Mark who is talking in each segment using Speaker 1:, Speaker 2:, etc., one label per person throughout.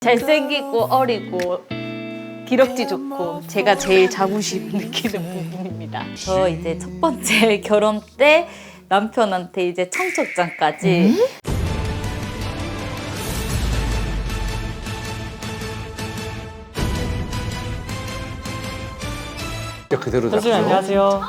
Speaker 1: 잘생기고 어리고 기럭지 좋고 제가 제일 자부심 느끼는 부분입니다. 저 이제 첫 번째 결혼 때 남편한테 이제 청첩장까지
Speaker 2: 그대로
Speaker 3: 선생님 안녕하세요.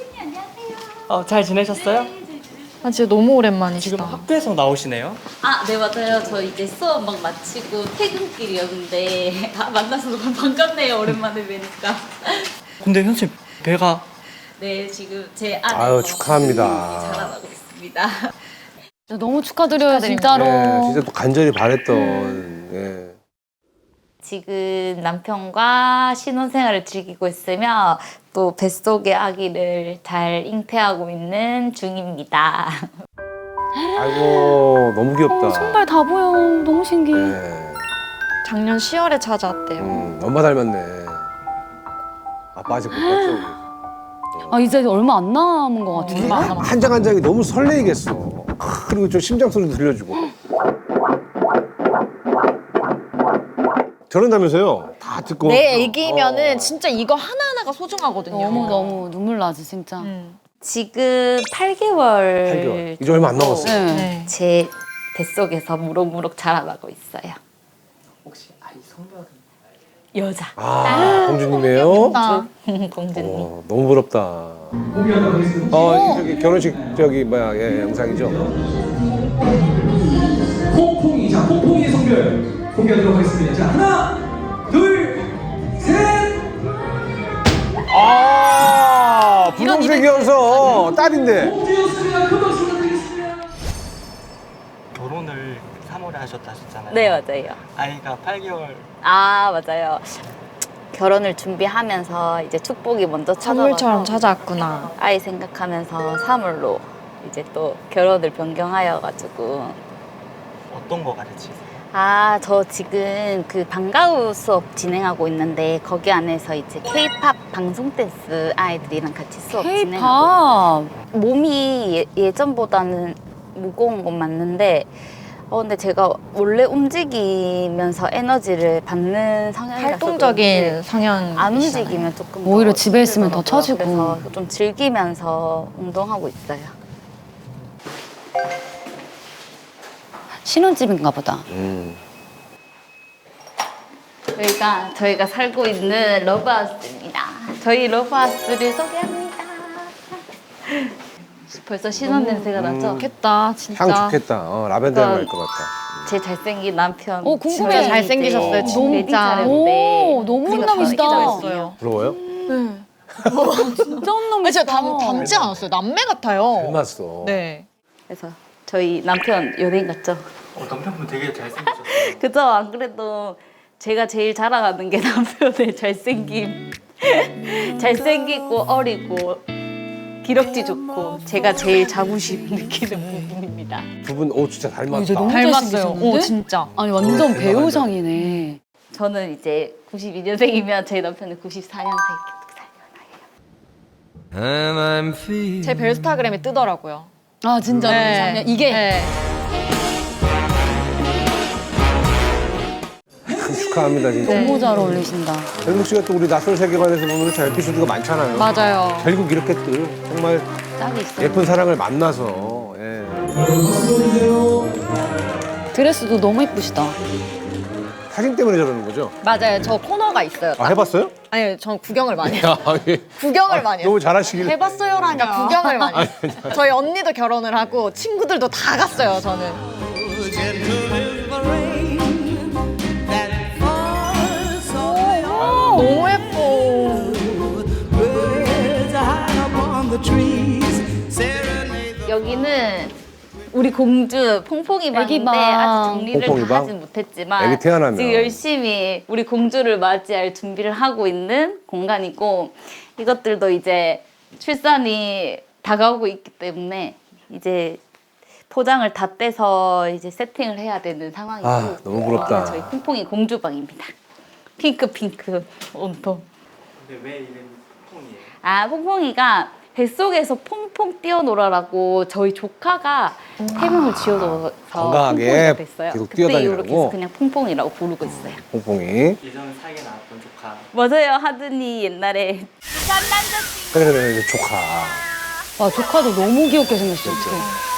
Speaker 3: 잘 지내셨어요?
Speaker 4: 아 진짜 너무 오랜만이시다.
Speaker 3: 지금 학교에서 나오시네요.
Speaker 1: 아, 네 맞아요. 저 이제 수업 막 마치고 퇴근길이었는데 만나서 너무 반갑네요. 오랜만에 뵈니까.
Speaker 3: 근데 선생님 배가
Speaker 1: 네, 지금 제 안에서
Speaker 2: 아유, 축하합니다.
Speaker 1: 자라나고 있습니다.
Speaker 4: 진짜 너무 축하드려요, 진짜로.
Speaker 2: 네, 진짜 또 간절히 바랬던. 예.
Speaker 1: 지금 남편과 신혼생활을 즐기고 있으며 또 뱃속의 아기를 잘 잉태하고 있는 중입니다.
Speaker 2: 아이고 너무 귀엽다.
Speaker 4: 손발 다 보여. 너무 신기해.
Speaker 2: 네.
Speaker 4: 작년 10월에 찾아왔대요.
Speaker 2: 엄마 닮았네. 아빠 아직 못 봤죠.
Speaker 4: 아 이제 얼마 안 남은 것 같은데.
Speaker 2: 한 장 한 장이 너무 설레이겠어. 그리고 저 심장 소리도 들려주고. 저런다면서요? 다 듣고.
Speaker 5: 내 애기면은 진짜 이거 하나하나가 소중하거든요.
Speaker 4: 너무 눈물 나지 진짜.
Speaker 1: 지금 8개월
Speaker 2: 8개월. 이제 얼마 안 남았어요.
Speaker 4: 네.
Speaker 1: 제 뱃속에서 무럭무럭 자라나고 있어요.
Speaker 3: 혹시 아이 성별은?
Speaker 1: 여자.
Speaker 2: 아, 공주님이에요?
Speaker 1: 공주님.
Speaker 2: 너무 부럽다. 저기 결혼식 저기 뭐야 영상이죠?
Speaker 6: 콩콩이, 자, 콩콩이의 성별 공개하도록 하겠습니다. 자, 하나, 둘, 셋!
Speaker 2: 아, 분홍색이어서 딸인데.
Speaker 6: 공주였습니다. 큰 박수 부탁드리겠습니다.
Speaker 3: 결혼을 3월에 하셨다 하셨잖아요.
Speaker 1: 네, 맞아요.
Speaker 3: 아이가 8개월.
Speaker 1: 아, 맞아요. 결혼을 준비하면서 이제 축복이 먼저
Speaker 4: 선물처럼
Speaker 1: 찾아와서
Speaker 4: 찾아왔구나.
Speaker 1: 아이 생각하면서 3월로 이제 또 결혼을 변경하여가지고
Speaker 3: 어떤 거 가르치세요?
Speaker 1: 아, 저 지금 그 방과후 수업 진행하고 있는데 거기 안에서 이제 K-팝 방송 댄스 아이들이랑 같이 수업 진행하고
Speaker 4: K-팝.
Speaker 1: 몸이 예전보다는 무거운 건 맞는데 근데 제가 원래 움직이면서 에너지를 받는 성향이라서
Speaker 4: 활동적인 성향.
Speaker 1: 안 움직이면 조금
Speaker 4: 오히려
Speaker 1: 더
Speaker 4: 집에 있으면 더
Speaker 1: 힘들더라고요.
Speaker 4: 처지고.
Speaker 1: 그래서 좀 즐기면서 운동하고 있어요.
Speaker 4: 신혼집인가 보다.
Speaker 1: 저희가 살고 있는 러브하우스입니다. 저희 러브하우스를 소개합니다. 벌써 신혼 냄새가 나죠?
Speaker 4: 좋겠다 진짜.
Speaker 2: 향 좋겠다. 라벤더 향 날 것 같다.
Speaker 1: 제 잘생긴 남편.
Speaker 4: 궁금해.
Speaker 1: 진짜
Speaker 4: 잘생기셨어요, 진짜.
Speaker 1: 오,
Speaker 4: 너무
Speaker 1: 제가
Speaker 4: 훈남이시다.
Speaker 1: 더
Speaker 2: 부러워요?
Speaker 4: 진짜 훈남이시다.
Speaker 5: 진짜 닮지 않았어요. 남매 같아요.
Speaker 2: 닮았어.
Speaker 5: 네.
Speaker 1: 그래서 저희 남편 연예인 같죠?
Speaker 3: 남편분 되게 잘생기셨어요.
Speaker 1: 그죠? 안 그래도 제가 제일 자랑하는 게 남편의 잘생김. 잘생기고 어리고 기럭지 좋고 제가 제일 자부심 느끼는 부분입니다.
Speaker 2: 두 분 진짜 닮았다.
Speaker 4: 이제 너무
Speaker 5: 닮았어요.
Speaker 4: 잘생기셨는데?
Speaker 5: 오, 진짜.
Speaker 4: 아니 완전 배우상이네.
Speaker 1: 저는 이제 92년생이면 제 남편은 94년생.
Speaker 5: 제 벨스타그램에 뜨더라고요.
Speaker 4: 아 진짜
Speaker 5: 네.
Speaker 4: 이게
Speaker 5: 네.
Speaker 2: 축하합니다 진짜.
Speaker 4: 너무 잘 어울리신다.
Speaker 2: 헬묵 씨가 또 우리 낯선 세계관에서 보면 잘 에피소드가 많잖아요.
Speaker 5: 맞아요.
Speaker 2: 결국 이렇게 또 정말
Speaker 4: 짝이 있어.
Speaker 2: 예쁜 사랑을 만나서. 예.
Speaker 4: 드레스도 너무 예쁘시다.
Speaker 2: 사진 때문에 저러는 거죠?
Speaker 5: 맞아요. 저 코너가 있어요.
Speaker 2: 아, 해봤어요?
Speaker 5: 아니, 전 구경을 많이 해요.
Speaker 2: 야, 예.
Speaker 5: 구경을 많이 해요.
Speaker 2: 너무 잘하시길.
Speaker 5: 해봤어요라니까 구경을 많이 해요. 저희 언니도 결혼을 하고 친구들도 다 갔어요, 저는. 너무 예뻐.
Speaker 1: 여기는 우리 공주 퐁퐁이 방인데
Speaker 4: 애기 방.
Speaker 1: 아직 정리를
Speaker 2: 퐁퐁이
Speaker 1: 다
Speaker 2: 방?
Speaker 1: 하진 못했지만
Speaker 2: 애기 태어나면.
Speaker 1: 지금 열심히 우리 공주를 맞이할 준비를 하고 있는 공간이고 이것들도 이제 출산이 다가오고 있기 때문에 이제 포장을 다 떼서 이제 세팅을 해야 되는 상황이고
Speaker 2: 아, 너무 부럽다.
Speaker 1: 여기가 저희 퐁퐁이 공주방입니다. 핑크 온통.
Speaker 3: 근데 왜 이름이 콩이에요?
Speaker 1: 아, 퐁퐁이가 뱃속에서 퐁퐁 뛰어놀아라고 저희 조카가 태명을 지어줘서
Speaker 2: 건강하게
Speaker 1: 퐁퐁이가 됐어요.
Speaker 2: 계속
Speaker 1: 그때
Speaker 2: 뛰어다니라고?
Speaker 1: 이렇게 해서 그냥 퐁퐁이라고 부르고 있어요.
Speaker 2: 퐁퐁이.
Speaker 3: 예전 사이에 나왔던 조카.
Speaker 1: 맞아요. 하든이 옛날에
Speaker 2: 그래 조카.
Speaker 4: 와 조카도 너무 귀엽게 생겼어. 어떡해.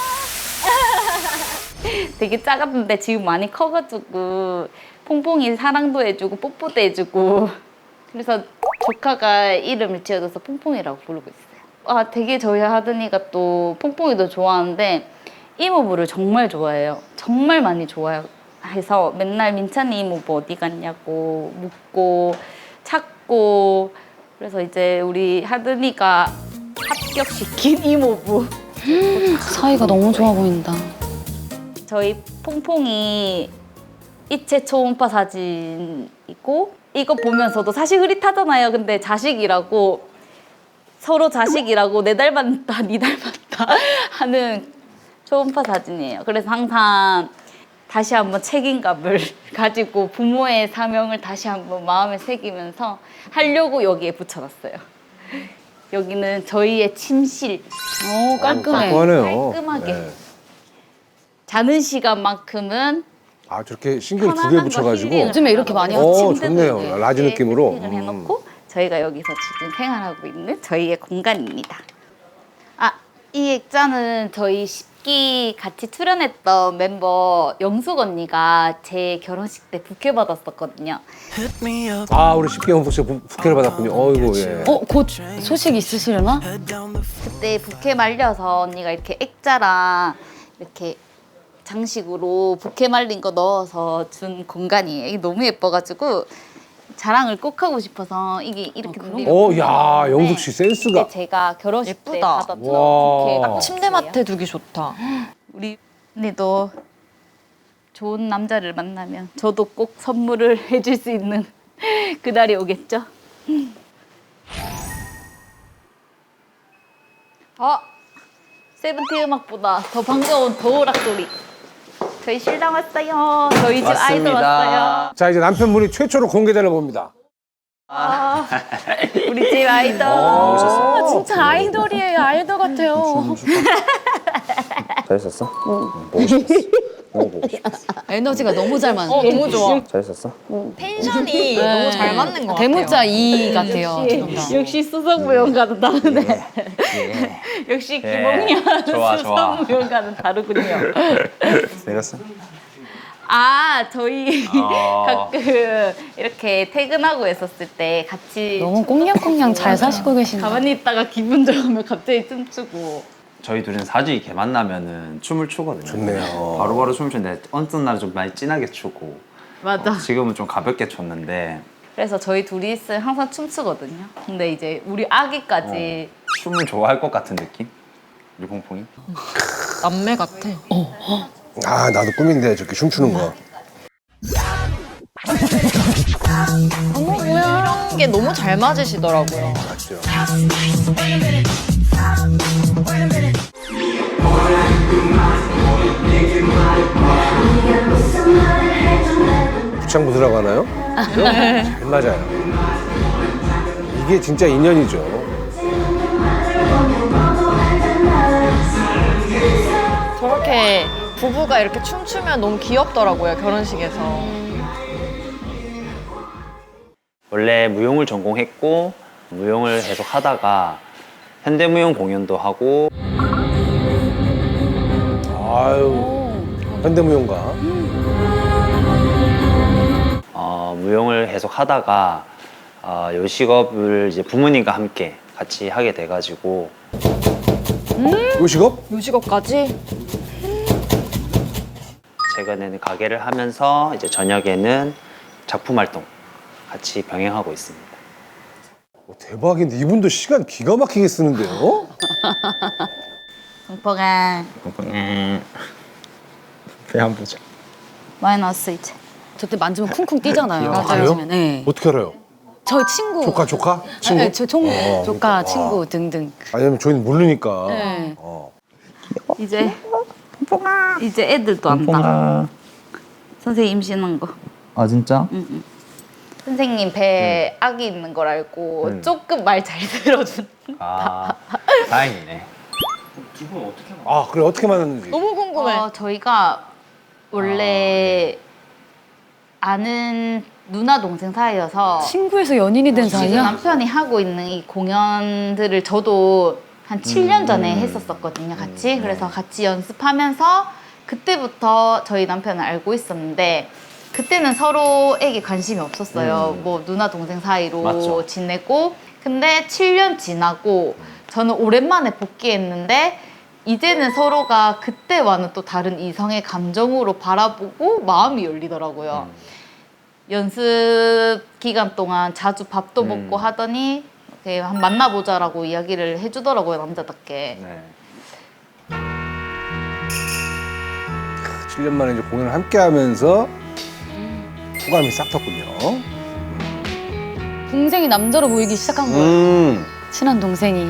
Speaker 1: 되게 작았는데 지금 많이 커가지고 퐁퐁이 사랑도 해주고 뽀뽀도 해주고 그래서 조카가 이름을 지어줘서 퐁퐁이라고 부르고 있어요. 아 되게 저희 하든이가 또 퐁퐁이도 좋아하는데 이모부를 정말 좋아해요. 정말 많이 좋아해서 맨날 민찬이 이모부 어디 갔냐고 묻고 찾고 그래서 이제 우리 하든이가 합격시킨 이모부.
Speaker 4: 사이가 너무 좋아 보인다.
Speaker 1: 저희 퐁퐁이 이체 초음파 사진이고 이거 보면서도 사실 흐릿하잖아요. 근데 자식이라고 서로 자식이라고 내 닮았다 니 닮았다 하는 초음파 사진이에요. 그래서 항상 다시 한번 책임감을 가지고 부모의 사명을 다시 한번 마음에 새기면서 하려고 여기에 붙여놨어요. 여기는 저희의 침실.
Speaker 4: 오 깔끔해.
Speaker 2: 깔끔하네요.
Speaker 1: 깔끔하게.
Speaker 2: 네.
Speaker 1: 자는 시간만큼은
Speaker 2: 아 저렇게 싱글 두 개
Speaker 1: 편안한 거
Speaker 2: 붙여가지고.
Speaker 1: 힐링을
Speaker 4: 요즘에 이렇게 많이
Speaker 1: 하고
Speaker 2: 하죠.
Speaker 1: 침대도
Speaker 2: 좋네요.
Speaker 1: 이렇게
Speaker 2: 라지 느낌으로.
Speaker 1: 힐링을 해놓고 저희가 여기서 지금 생활하고 있는 저희의 공간입니다. 아, 이 액자는 저희 10기 같이 출연했던 멤버 영숙 언니가 제 결혼식 때 부케 받았었거든요.
Speaker 2: 아 우리 10개월 부케를 받았군요. 어이구 예.
Speaker 4: 곧 소식 있으시려나?
Speaker 1: 그때 부케 말려서 언니가 이렇게 액자랑 이렇게 장식으로 부케 말린 거 넣어서 준 공간이에요. 이게 너무 예뻐가지고 자랑을 꼭 하고 싶어서 이게 이렇게
Speaker 2: 야 영숙 씨 센스가.
Speaker 1: 이게 제가 결혼식 때
Speaker 5: 예쁘다.
Speaker 1: 받았던
Speaker 2: 와.
Speaker 1: 부케가
Speaker 5: 침대맡에 두기 좋다.
Speaker 1: 우리 언니도 좋은 남자를 만나면 저도 꼭 선물을 해줄 수 있는 그날이 오겠죠? 세븐틴 음악보다 더 반가운 도우락 소리. 저희 신랑 왔어요. 저희 집 아이들 왔어요.
Speaker 2: 자 이제 남편분이 최초로 공개되나 봅니다.
Speaker 1: 우리 집 아이돌.
Speaker 4: 진짜 아이돌이에요. 아이돌 같아요.
Speaker 7: 잘했었어? 보고 싶었어. 너무 보고 싶었어.
Speaker 4: 에너지가 너무 잘 맞는.
Speaker 5: 너무 좋아.
Speaker 7: 잘했었어?
Speaker 5: 텐션이 너무 잘 맞는 것 같아요.
Speaker 4: 대문자 2 같아요.
Speaker 1: 역시 수석무용과는 다르네. 역시 김홍현
Speaker 7: 좋아, 좋아.
Speaker 1: 수석무용과는 다르군요.
Speaker 7: 내렸어?
Speaker 1: 아, 저희 가끔 이렇게 퇴근하고 있었을 때 같이
Speaker 4: 너무 꽁냥꽁냥 잘 사시고 계신다.
Speaker 1: 가만히 있다가 기분 좋으면 갑자기 춤추고.
Speaker 8: 저희 둘은 사주 이렇게 만나면은 춤을 추거든요.
Speaker 2: 좋네요.
Speaker 8: 바로바로 춤을 추는데 어떤 날은 좀 많이 진하게 추고
Speaker 1: 맞아.
Speaker 8: 지금은 좀 가볍게 췄는데
Speaker 1: 그래서 저희 둘이 있으면 항상 춤추거든요. 근데 이제 우리 아기까지
Speaker 8: 춤을 좋아할 것 같은 느낌? 우리 퐁퐁이?
Speaker 5: 남매 같아.
Speaker 2: 아 나도 꿈인데 저렇게 춤추는 거.
Speaker 5: 이런 게 너무 잘 맞으시더라고요.
Speaker 2: 맞죠. 부창부 들어가나요? 잘 맞아요. 이게 진짜 인연이죠.
Speaker 5: 저렇게 부부가 이렇게 춤추면 너무 귀엽더라고요, 결혼식에서.
Speaker 8: 원래 무용을 전공했고 무용을 계속 하다가 현대무용 공연도 하고
Speaker 2: 아유 현대무용가.
Speaker 8: 무용을 계속 하다가 요식업을 이제 부모님과 함께 같이 하게 돼가지고
Speaker 2: 요식업?
Speaker 5: 요식업까지?
Speaker 8: 최근에는 가게를 하면서 이제 저녁에는 작품 활동 같이 병행하고 있습니다.
Speaker 2: 대박인데 이분도 시간 기가 막히게 쓰는데요?
Speaker 1: 공포가
Speaker 3: 배안 보자.
Speaker 1: 많이 나왔어 이제.
Speaker 4: 저때 만지면 쿵쿵 뛰잖아요.
Speaker 2: 그래요?
Speaker 4: 만지면. 네.
Speaker 2: 어떻게 알아요?
Speaker 4: 저 친구.
Speaker 2: 조카? 친구?
Speaker 4: 네, 저 조카,
Speaker 2: 그러니까.
Speaker 4: 친구 등등.
Speaker 2: 아니면 저희는 모르니까.
Speaker 4: 네.
Speaker 1: 이제 이제 애들도 안다. 선생님 임신한 거.
Speaker 3: 아 진짜?
Speaker 1: 응. 선생님 배에 아기 있는 걸 알고 조금 말 잘 들어준.
Speaker 8: 아, 다행이네.
Speaker 3: 두 분 어떻게 만났어요?
Speaker 2: 아 그래 어떻게 만났는지.
Speaker 5: 너무 궁금해.
Speaker 1: 저희가 원래 아는 누나 동생 사이여서
Speaker 4: 친구에서 연인이 된
Speaker 1: 지금
Speaker 4: 사이야?
Speaker 1: 남편이 하고 있는 이 공연들을 저도 한 7년 전에 했었었거든요, 같이. 그래서 같이 연습하면서 그때부터 저희 남편을 알고 있었는데 그때는 서로에게 관심이 없었어요. 뭐 누나 동생 사이로
Speaker 8: 맞죠.
Speaker 1: 지내고 근데 7년 지나고 저는 오랜만에 복귀했는데 이제는 서로가 그때와는 또 다른 이성의 감정으로 바라보고 마음이 열리더라고요. 연습 기간 동안 자주 밥도 먹고 하더니 이렇게 한 만나보자라고 이야기를 해주더라고요, 남자답게.
Speaker 8: 네.
Speaker 2: 7년 만에 이제 공연을 함께 하면서 호감이 싹 텄군요.
Speaker 4: 동생이 남자로 보이기 시작한 거야. 친한 동생이.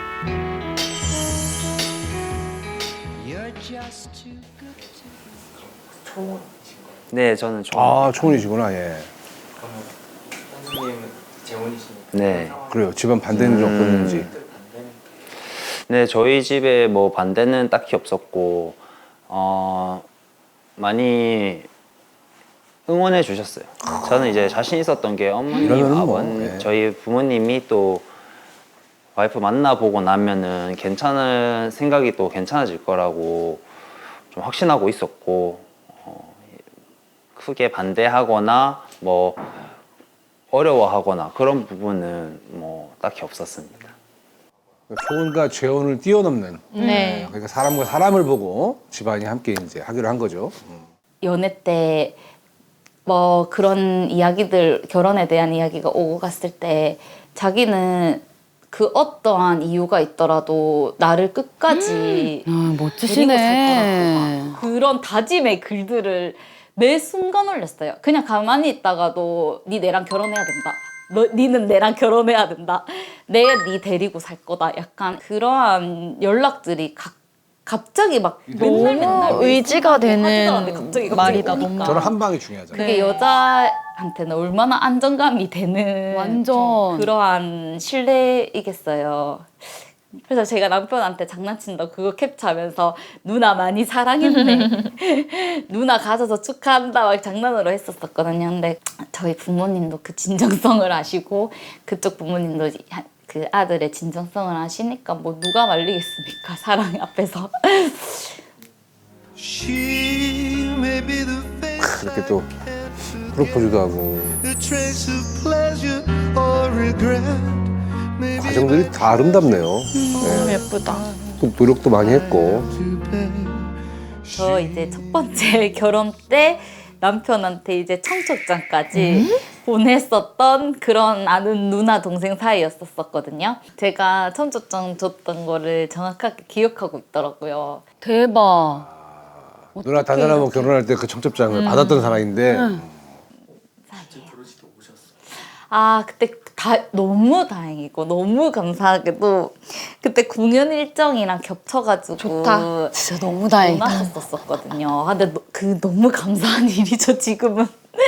Speaker 8: 네, 저는 좀.
Speaker 2: 아 초혼이시구나 예.
Speaker 3: 그러면 선생님은 재혼이시니까
Speaker 8: 네.
Speaker 2: 그래요. 집안 반대는 좀 어땠는지.
Speaker 3: 반대는
Speaker 8: 네, 저희 집에 뭐 반대는 딱히 없었고, 많이 응원해 주셨어요. 저는 이제 자신 있었던 게 어머님,
Speaker 2: 이러면은 뭐,
Speaker 8: 아버님,
Speaker 2: 예.
Speaker 8: 저희 부모님이 또 와이프 만나보고 나면은 괜찮은 생각이 또 괜찮아질 거라고 좀 확신하고 있었고, 크게 반대하거나 뭐 어려워하거나 그런 부분은 뭐 딱히 없었습니다.
Speaker 2: 초혼과 재혼을 뛰어넘는.
Speaker 5: 네.
Speaker 2: 그러니까 사람과 사람을 보고 집안이 함께 이제 하기로 한 거죠.
Speaker 1: 연애 때 뭐 그런 이야기들, 결혼에 대한 이야기가 오고 갔을 때 자기는 그 어떠한 이유가 있더라도 나를 끝까지
Speaker 4: 아,
Speaker 1: 데리고
Speaker 4: 멋지시네.
Speaker 1: 살 거라고 그런 다짐의 글들을 매 순간 올렸어요. 그냥 가만히 있다가도 니 내랑 결혼해야 된다. 니는 내랑 결혼해야 된다. 내가 니 데리고 살 거다. 약간 그러한 연락들이 갑자기 막 맨날
Speaker 5: 너무 의지가 되는
Speaker 1: 갑자기
Speaker 5: 말이다,
Speaker 1: 오니까.
Speaker 5: 너무.
Speaker 2: 저는 한 방이 중요하잖아요.
Speaker 1: 그게 여자한테는 얼마나 안정감이 되는
Speaker 4: 완전.
Speaker 1: 좀 그러한 신뢰이겠어요. 그래서 제가 남편한테 장난친다고 그거 캡처하면서 누나 많이 사랑했네. 누나 가져서 축하한다 막 장난으로 했었거든요. 근데 저희 부모님도 그 진정성을 아시고 그쪽 부모님도 그 아들의 진정성을 아시니까 뭐 누가 말리겠습니까? 사랑 앞에서.
Speaker 2: 그렇게 또 프로포즈도 하고 과정들이 다 아름답네요.
Speaker 5: 너무 예쁘다.
Speaker 2: 또 노력도 많이 했고.
Speaker 1: 저 이제 첫 번째 결혼 때 남편한테 이제 청첩장까지 보냈었던 그런 아는 누나 동생 사이였었거든요. 제가 청첩장 줬던 거를 정확하게 기억하고 있더라고요.
Speaker 4: 대박.
Speaker 2: 누나 단단하고 결혼할 때 그 청첩장을 받았던 사람인데
Speaker 1: 아 그때 너무 다행이고 너무 감사하게도 그때 공연 일정이랑 겹쳐가지고
Speaker 5: 좋다.
Speaker 4: 진짜 너무
Speaker 1: 못
Speaker 4: 다행이다.
Speaker 1: 왔었거든요. 근데 그 너무 감사한 일이죠 지금은.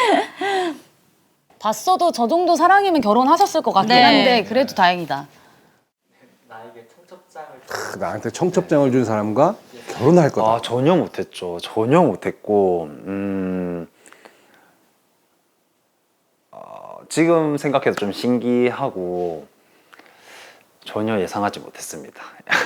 Speaker 4: 봤어도 저 정도 사랑이면 결혼하셨을 것 같긴
Speaker 5: 네.
Speaker 4: 한데 그래도 다행이다.
Speaker 3: 나에게 청첩장을
Speaker 2: 나한테 청첩장을 준 사람과 결혼할 거다.
Speaker 8: 아, 전혀 못했죠. 전혀 못했고, 지금 생각해도 좀 신기하고 전혀 예상하지 못했습니다.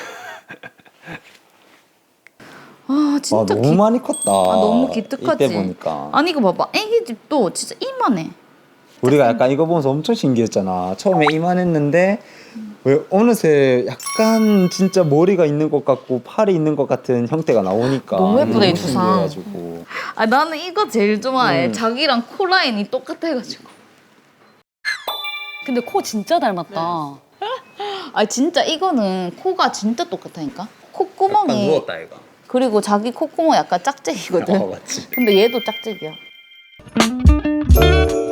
Speaker 1: 아 진짜
Speaker 7: 너무 많이 컸다.
Speaker 1: 너무 기특하지.
Speaker 7: 이때 보니까.
Speaker 1: 아니 이거 봐봐. 애기 집도 진짜 이만해.
Speaker 7: 우리가 약간 이거 보면서 엄청 신기했잖아. 처음에 이만했는데 왜 어느새 약간 진짜 머리가 있는 것 같고 팔이 있는 것 같은 형태가 나오니까
Speaker 5: 너무 예쁘다, 이 두상.
Speaker 7: 신기해가지고.
Speaker 1: 아 나는 이거 제일 좋아해. 자기랑 코 라인이 똑같아가지고.
Speaker 4: 근데 코 진짜 닮았다.
Speaker 1: 아 진짜 이거는 코가 진짜 똑같다니까. 콧구멍이
Speaker 8: 누웠다 얘가.
Speaker 1: 그리고 자기 콧구멍 약간 짝짝이거든.
Speaker 7: 맞지.
Speaker 1: 근데 얘도 짝짝이야.